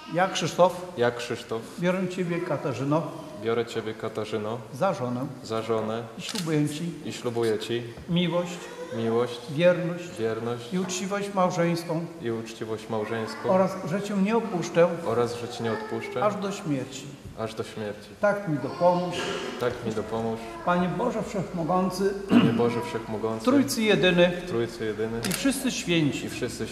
Ja, Krzysztof, Ja, Krzysztof, biorę Ciebie, Katarzyno, biorę Ciebie, Katarzyno, za żonę i ślubuję Ci miłość, wierność i uczciwość małżeńską oraz, że Cię nie opuszczę oraz, że Ci nie odpuszczę aż do śmierci. Tak mi dopomóż, Panie Boże Wszechmogący, Trójcy Jedyny i wszyscy święci.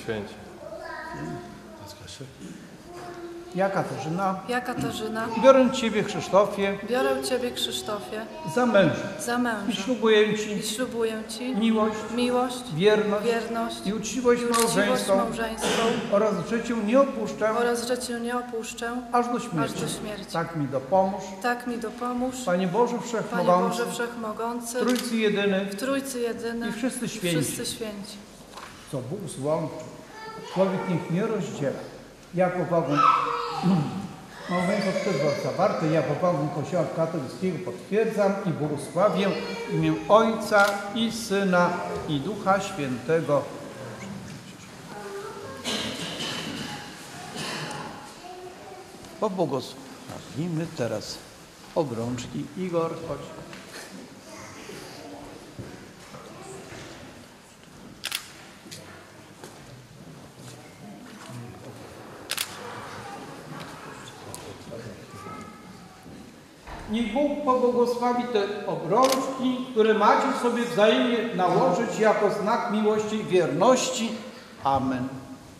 Ja, Katarzyna, biorę Ciebie, Krzysztofie, za męża i ślubuję Ci miłość, wierność i uczciwość małżeńską oraz, że Cię nie opuszczę aż do śmierci. Tak mi dopomóż, Panie Boże Wszechmogący, Trójcy Jedyny i wszyscy święci. Co Bóg złączył, człowiek niech nie rozdziela. Ja powagę małżeństwo przez zawarte, ja powagę Kościoła katolickiego potwierdzam i błogosławię w imię Ojca i Syna i Ducha Świętego. Pobłogosławimy teraz obrączki. Igor, chodź. Niech Bóg pobłogosławi te obrączki, które macie sobie wzajemnie nałożyć jako znak miłości i wierności. Amen.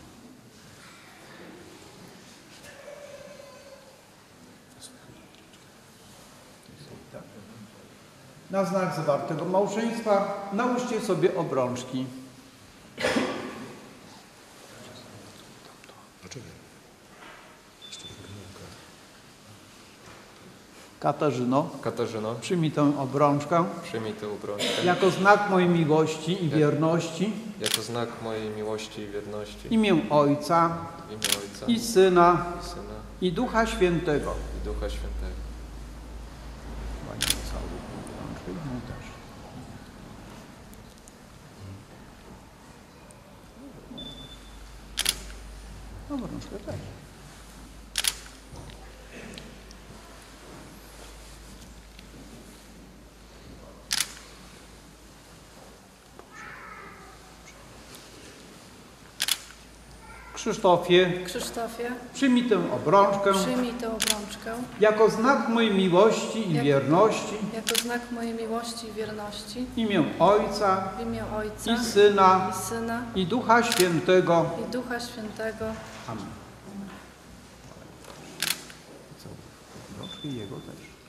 Na znak zawartego małżeństwa nałóżcie sobie obrączki. Katarzyno, przyjmij tę obrączkę jako znak mojej miłości i wierności w imię Ojca i Syna i Ducha Świętego. Obrączkę też. Krzysztofie, przyjmij tę obrączkę jako znak mojej miłości i wierności w imię Ojca i Syna i Ducha Świętego. Amen. Obrączki jego też.